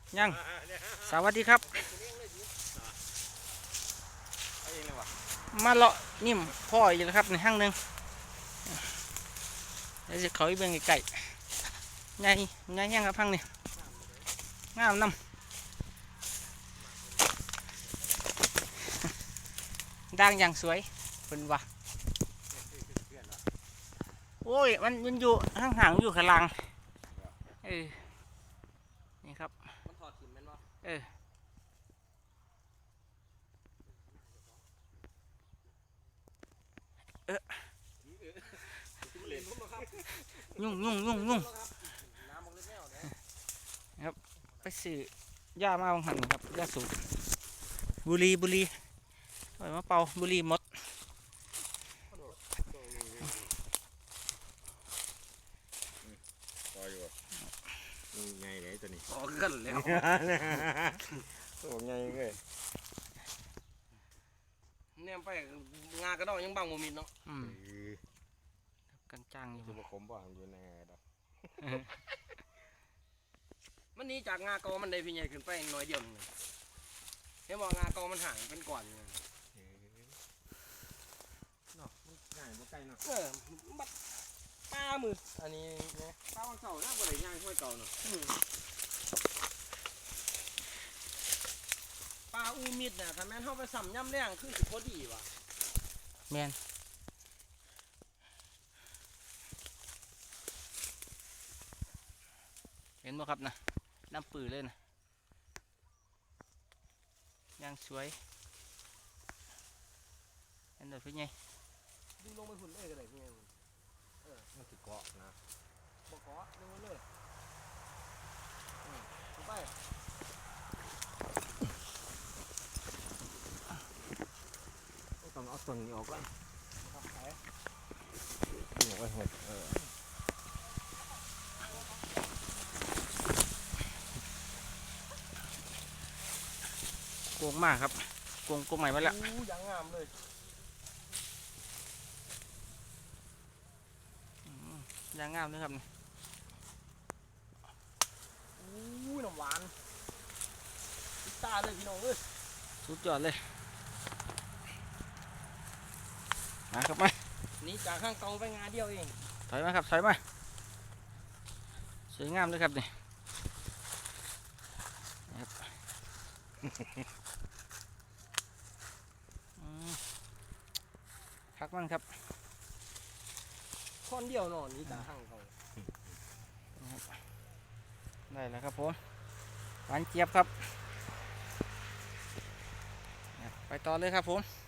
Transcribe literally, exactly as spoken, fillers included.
ยังสวัสดีครับมาเลาะนิ่มพ่ออยู่แล้วครับในห้างหนึ่งเดี๋ยวจะเขาไปเบิ่งไก่ใหญ่ใหญ่ยังครับพังนี่งามน้ำด่างอย่างสวยเป็นวะโอ้ยมันมันอยู่ห่างห่างอยู่ข้างล่างเออนี่ครับมันถอดถิ่นมันวะเออเออยุ่งยุ่งยุ่งยุ่งครับไปซื้อยามาบางหันครับยาสูบบุรีบุรีไปมาเป่าบุรีมดต่ออยู่ไงไหนตัวนี้ต่อกันแล้วตัวไงเลยเนี่ยไปงากระดองยังบังโมมินเนาะกันจังอยู่คือผมบอกอยู่ในดอกมันนี้จากงากอมันได้พี่ใหญ่ขึ้นไปน้อยเดียวนึงเห็นบอกงากอมันห่างเป็นก่อนเนาะง่ายบ่ใกล้เนาะเออบัดป้ามืออันนี้เนี่ยป้าวันเสาร์น่าจะได้ย่างห้วยเก่าเนาะปลาอูมิดเนี่ยถ้าแม่นเข้าไปสัมย่ำแรงคือสิพอดีว่ะแมนเห็นไหมครับนะน้ำปื้อเลยนะยังสวยเห็นเลยพี่ไงดึงลงไปหุ่นเลยก็ได้พี่ไงเออมันติดเกาะนะบ่เกาะดึงเลยเข้าไปต้องเอาส่วนนี้ออกก่อนครับไปนี่ไว้หดเออโกงมากครับโกงโกงใหม่มาแล้วยังงามเลยยังงามเลยครับอู้น้ำหวานตาเลยพี่น้องเอ้ยสุดยอดเลยมาครับมานี่จากข้างกองไปงาเดียวเองถอยมาครับถอยมาสวยงามเลยครับนี่พักมันครับคนเดียวนอนนี่จากข้างกองได้แล้วครับผมหวานเจี๊ยบครับไปต่อเลยครับผม